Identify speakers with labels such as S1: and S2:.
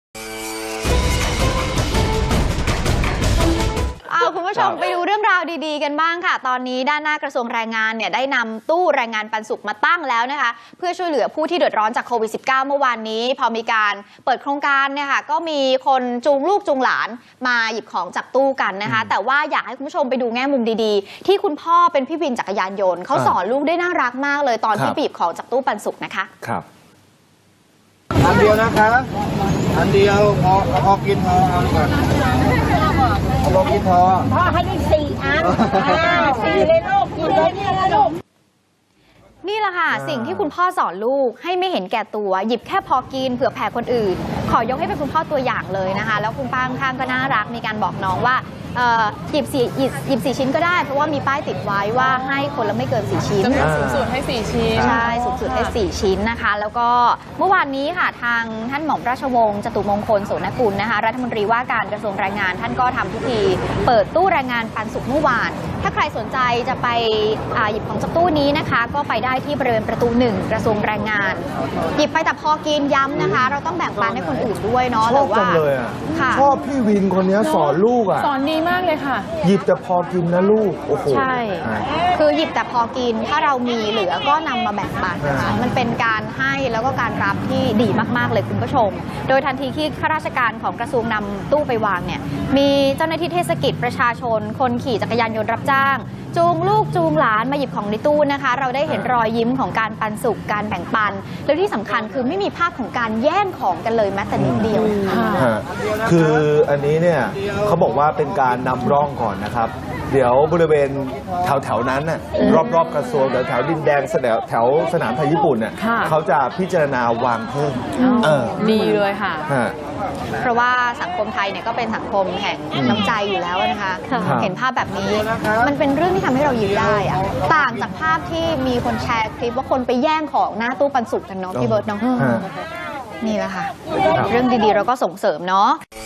S1: คุณผู้ชมไปดูเรื่องราวดีๆกันบ้างค่ะตอนนี้ด้านหน้ากระทรวงแรงงานเนี่ยได้นำตู้แรงงานปันสุขมาตั้งแล้วนะคะเพื่อช่วยเหลือผู้ที่เดือดร้อนจากโควิด -19 เมื่อวานนี้พอมีการเปิดโครงการเนี่ยค่ะก็มีคนจูงลูกจูงหลานมาหยิบของจากตู้กันนะคะแต่ว่าอยากให้คุณผู้ชมไปดูแง่มุมดีๆที่คุณพ่อเป็นพี่วินจักรยานยนต์เขาสอนลูกได้น่ารักมากเลยตอนที่หยิบของจากตู้ปันสุขนะคะ
S2: ครับ
S3: อันเดียวนะคะอันเดียวพอกินพอเอาก่อนพอกินพอ
S4: พ่อให้ได้4 อัน4เลยลูกกินเลยนี่ลูก
S1: นี่แหละค่ะสิ่งที่คุณพ่อสอนลูกให้ไม่เห็นแก่ตัวหยิบแค่พอกินเผื่อแผ่คนอื่นขอยกให้เป็นคุณพ่อตัวอย่างเลยนะคะแล้วคุณป้าข้างก็น่ารักมีการบอกน้องว่าหยิบ4 ชิ้นก็ได้เพราะว่ามีป้ายติดไว้ว่าให้คนละไม่เกิน4 ชิ้น
S5: จำนวนสูงสุดให้4 ชิ้น
S1: ใช่สูงสุดให้4 ชิ้นนะคะแล้วก็เมื่อวานนี้ค่ะทางท่านหม่อมราชวงศ์จตุมงคลโสนกุลนะคะรัฐมนตรีว่าการกระทรวงแรงงานท่านก็ทำพิธีเปิดตู้แรงงานปันสุขเมื่อวานถ้าใครสนใจจะไปหยิบของจากตู้นี้นะคะก็ไปได้ที่บริเวณประตู 1กระทรวงแรงงานหยิบไปแต่พอกินย้ำนะคะเราต้องแบ่งปันให้คนอื่นด้วยเนาะ
S2: ชอบจังเลยชอบพี่วินคนนี้สอนลูก
S5: สอนดีมากเลยค่ะ
S2: หยิบแต่พอกินนะลูกโอ้โห
S1: ใช่คือหยิบแต่พอกินถ้าเรามีเหลือก็นำมาแบ่งปันนะคะมันเป็นการให้แล้วก็การรับที่ดีมากๆเลยคุณผู้ชมโดยทันทีที่ข้าราชการของกระทรวงนำตู้ไปวางเนี่ยมีเจ้าหน้าที่เทศกิจประชาชนคนขี่จักรยานยนต์รับจ้างจูงลูกจูงหลานมาหยิบของในตู้นะคะเราได้เห็นรอยยิ้มของการปันสุขการแบ่งปันแล้วที่สำคัญคือไม่มีภาพของการแย่งของกันเลยแม้แต่นิดเดียว
S2: คืออันนี้เนี่ยเขาบอกว่าเป็นการนำร่องก่อนนะครับเดี๋ยวบริเวณแถวนั้นน่ะรอบๆกระทรวงแถวดินแดงแถวสนามไทยญี่ปุ่นเนี่ยเขาจะพิจารณาวางเพิ่ม
S5: ดีเลยค่ะ
S1: เพราะว่าสังคมไทยเนี่ยก็เป็นสังคมแห่งน้ำใจอยู่แล้วนะคะเห็นภาพแบบนี้มันเป็นเรื่องที่ทำให้เรายิ้มได้อะต่างจากภาพที่มีคนแชร์คลิปว่าคนไปแย่งของหน้าตู้ปันสุขกันเนาะพี่เบิร์ดเนาะนี่แหละค่ะเรื่องดีๆเราก็ส่งเสริมเนาะ